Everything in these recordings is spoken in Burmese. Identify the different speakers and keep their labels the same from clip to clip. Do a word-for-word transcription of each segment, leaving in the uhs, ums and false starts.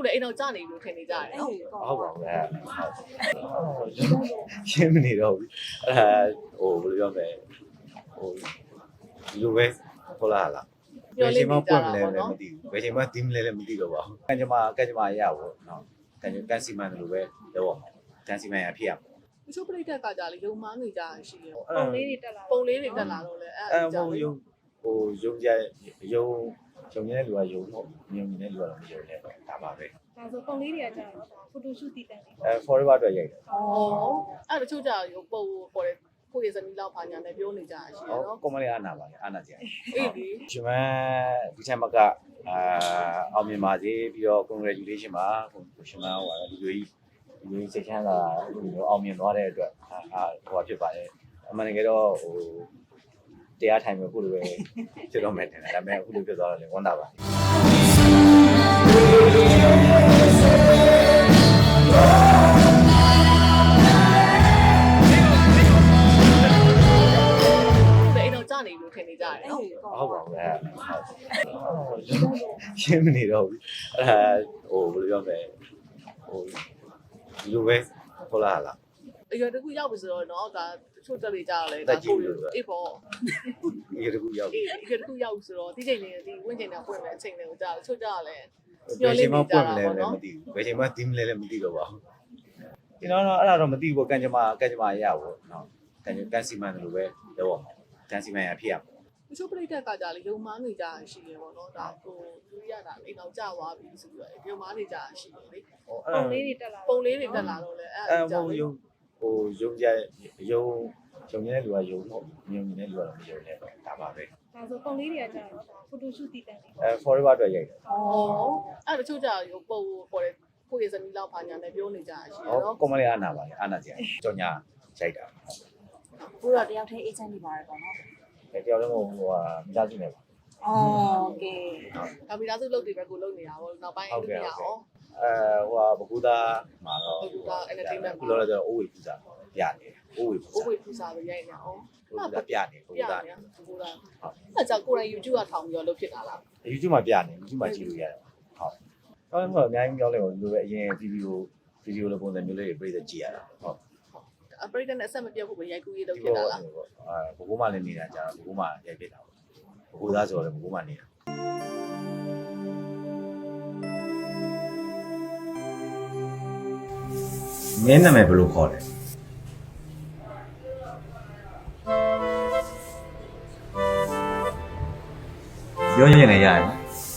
Speaker 1: လည်းအိမ်တော်ကြာနေလို့ထင်နေကြတယ်နော်
Speaker 2: ဟုတ်ပါဘူးအဲရှင်းမနေတော့ဘူးအဲဟိုဘယ်လိုပြောမလဲဟိုဒီလိုပဲဟုတ်လားလားဘယ်ချိန်မှပွင့်မလဲလည်းမသိဘူးဘယ်ချိန်မှတီးမလဲလည်းမသိတော့ပါဘူးကန်ကြမှာကန်ကြမှာရပါဘူးနော်ကန်ကြကန်စီမန်လိုပဲတော့ကန်စီမန်ရဖြစ်ရမှာ
Speaker 1: တချို့ပြိတ္တကကြလေရုံမားနေကြရှိတယ်
Speaker 3: ပုံလေးတွေတက်လာ
Speaker 1: ပုံလေးတွေတက်လာတော့လေအဲ့
Speaker 2: အဲ
Speaker 1: ဒါကြော
Speaker 2: ဟို
Speaker 1: င့်
Speaker 2: ယုံဟိုယုံကြယုံယုံနေတဲ့လူကယုံတော့ယုံနေတဲ့လူကတော့မယုံနဲ့ဒါပါပဲ
Speaker 3: ဒါဆိုပုံလေးတွေကကြာတော့ဖိုတိုရှူတည်တန်လေး
Speaker 2: အဲ forever အတွက်ရိုက်တယ်
Speaker 1: ဩအဲ့တချို့ကြရုံပုံပေါ်တယ်ကိုယ့်ရဲ့ဇနီးလောက်ဖာညာနဲ့ပြောနေကြရှိတယ်
Speaker 2: ဟော
Speaker 1: နော်
Speaker 2: ကွန်မလေးအားနာပါလေအားနာကြတယ်
Speaker 1: အေးဒီ
Speaker 2: ရှင်မဒီချိန်မှာကအာအောင်မြင်ပါစေပြီးတော့ congratulation ပါရှင်မဟိုဒီလိုကြီးဒီလိုစိတ်ချမ်းသာဒီလိုအောင်မြင်သွားတဲ့အတွက်အာဟိုဖြစ်ပါတယ်အမှန်တကယ်တော့ဟိုတရားထိုင်မယ်ခုလိုပဲဖြစ်တော့မယ်တင်တယ်ဒါပေမဲ့အခုလိုဖြစ်သွားတော့လည်းဝမ်းသာပါ
Speaker 1: အိမ်တော်ကြာနေလို့ထင်နေကြတယ်နော်
Speaker 2: ဟုတ်ပါဘူးအဲရှင်းမနေတော့ဘူးအဲဟိုဘယ်လိုပြောမလဲဟိုဒီလိုပဲဟုတ်လားလား
Speaker 1: အရွယ်တခုရောက်ပြီဆိုတော့နော်ဒါတချို့တက်လေကြတော့လေဒါကိုအေးပေါ့
Speaker 2: ဒီတကူရောက်
Speaker 1: အေးအရွယ်တခုရောက်ပြီဆိုတော့ဒီချိန်လေးဒီဝင်းချိန်နဲ့ပွင့်မယ်အချိန်လေးကိုကြာတချို့ကြတော့လေ
Speaker 2: ဘယ်ချိန်မှပွင့်မလဲလည်းမသိဘူးဘယ်ချိန်မှတီးမလဲလည်းမသိတော့ပါဘူးကျွန်တော်တော့အဲ့ဒါတော့မသိဘူးကန်ကြမှာကန်ကြမှာရပါဘူးနော်ကန်ကန်စီမန်လိုပဲတော့ကန်စီမန်ရဖြစ်ရမှာ
Speaker 1: တချို့ပြိတ္တကကြလေရုံမားနေကြရှိတယ်ပေါ့နော်ဒါကိုသူရတာအိမ်တော်ကြာသွားပြီဆိုပြီးတော့ရုံမားနေကြရှိတယ်လေ
Speaker 3: ပုံလေးတွေတက်လာ
Speaker 1: ပုံလေးတွေတက်လာတော့လေအဲ့
Speaker 2: အဲ
Speaker 1: ဒါကြော
Speaker 2: ဟို
Speaker 1: င့်
Speaker 2: ယုံဟိုယုံကြယုံယုံနေတဲ့လူကယုံတော့ယုံနေတဲ့လူကတော့မယုံနဲ့ဒါပါပဲ
Speaker 3: ဒါဆိုပုံလေးတွေကကြာတော့ဖိုတိုရှူတည်တန်လေး
Speaker 2: အဲ forever အတွက်ရိုက်တယ်
Speaker 1: ဩအဲ့တချို့ကြရုံပုံပေါ်တယ်ကိုယ့်ရဲ့ဇနီးလောက်ဖာညာနဲ့ပြောနေကြရှိတယ်
Speaker 2: ဟော
Speaker 1: နော်
Speaker 2: ကွန်မလေးအားနာပါလေအားနာကြတယ်ကြောင်ညာရိုက်တာ
Speaker 4: ကိုတော့တယောက်တည်းအေဂျင့်နေပါတယ်ပေါ့နော်
Speaker 2: အဲတယောက်လုံးဟိုဟိုဟာမိသားစုနေပါ
Speaker 4: ။အော်โอเค
Speaker 1: ဒါမိသားစုလုပ်တွေပဲကိုလုပ်နေတာပေါ့နောက်ပိုင်းအဲ့လိုမရအောင်
Speaker 2: အဲဟိုဟာဘကူသားမှာတော့
Speaker 1: ဘကူသား entertainment
Speaker 2: ခုလောလောဆယ်အိုးဝေပူစာပြနေအိုးဝေပူ
Speaker 1: ကို
Speaker 2: စာ
Speaker 1: ဝေပူစာလို့ရိုက်နေအောင်
Speaker 2: ဘကူသားပြနေဘကူ
Speaker 1: ပြ
Speaker 2: သား
Speaker 1: နေဘကူသားအဲ့ကြောင့်ကိုယ်တိုင် YouTube ကထောင်ပြီးတော့လုပ်ဖြစ်တာလား
Speaker 2: YouTube မှာပြနေ YouTube မှာကြည့်လို့ရတယ်ဟုတ်ကောင်းတော့အများကြီးပြောလဲဟိုလိုပဲအရင်ဗီဒီယိုဗီဒီယိုလိုပုံစံမျိုးလေးတွေပြည့်တဲ့ကြည့်ရတာဟုတ်
Speaker 1: အပရိသတ်နဲ့အဆက်မပြတ်ဖို့ပဲရိုက်ကူးရေးလုပ်ဖြစ်တာလား
Speaker 2: အဲဘကူမှလည်းနေတာကြာဘကူမှရိုက်ဖြစ်တာဘကူသားဆိုတော့ဘကူမှနေတာမင်းနာမည်ဘယ်လိုခေါ်လဲပြောရင်လည်းရတယ်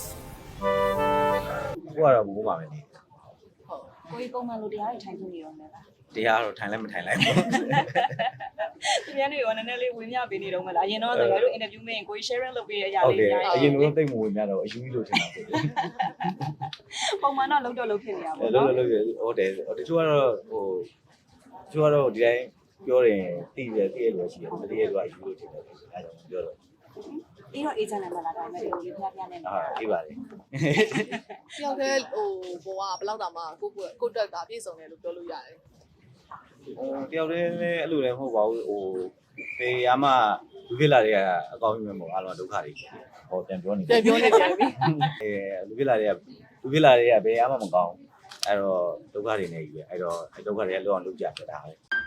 Speaker 2: ကိုကတော့ဘကူမှပဲနေ
Speaker 1: ဟုတ်
Speaker 4: ကိုကြီးပုံမှန်လိုတရားတွေထိုင်နေရောမယ်လား
Speaker 2: တရားတော့ထိုင်လည်းမထိုင်လိုက်ဘူး
Speaker 4: သူများတွေကနည်းနည်းလေးဝင်မြပေးနေတော့မလားအရင်တော့တကယ်လို့ interview မင်းကိုကြီး sharing လုပ်ပေးရအရာ
Speaker 2: ဟုတ်
Speaker 4: လေး
Speaker 2: တယ်
Speaker 4: အများ
Speaker 2: အ
Speaker 4: ကြီး
Speaker 2: ရင်ကတော့တိတ်မဝင်များတော့အယူကြီးလို့ထင်တာဆိုတယ်
Speaker 4: ပုံမှန်တော့လုံးတော့လုံးဖြစ်နေတာ
Speaker 2: အဲ
Speaker 4: ပေါ့
Speaker 2: လို့
Speaker 4: နော်
Speaker 2: လို့ဟုတ်တယ်တချို့ကတော့ဟိုတချို့ကတော့ဒီတိုင်းပြောရင်တိတယ်တိရလို့ရှိတယ်မတိရလို့အယူလို့ထင်တယ်အဲဒါကြောင့်ပြောတော့
Speaker 4: အေးတော့ agent နဲ့မလားဒါပေမဲ့ဒီလိုပြပြနဲ့နေ
Speaker 2: အာအေးပါလေ
Speaker 1: တယောက်တည်းဟိုဘဝဘယ်လောက်တောင်မှကိုကိုကိုတက်တာပြည့်စုံတယ်လို့ပြောလို့ရတယ်
Speaker 2: ဟိုတယောက်တည်းလည်းအဲ့လိုလည်းမဟုတ်ပါဘူးဟိုပေရမလူဖြစ်လာတွေကအကောင်းကြီးပဲမဟုတ်အားလုံးဒုက္ခတွေဟောပြန်ပြောနေ
Speaker 1: ပြန်ပြောနေကြပြီ
Speaker 2: အဲလူဖြစ်လာတွေကလူဖြစ်လာတွေကဘယ်ရမှမကောင်းအဲ့တော့ဒုက္ခတွေနေကြီးပဲအဲ့တော့ဒုက္ခတွေကလောက်အောင်လုပ်ကြပြတာပဲ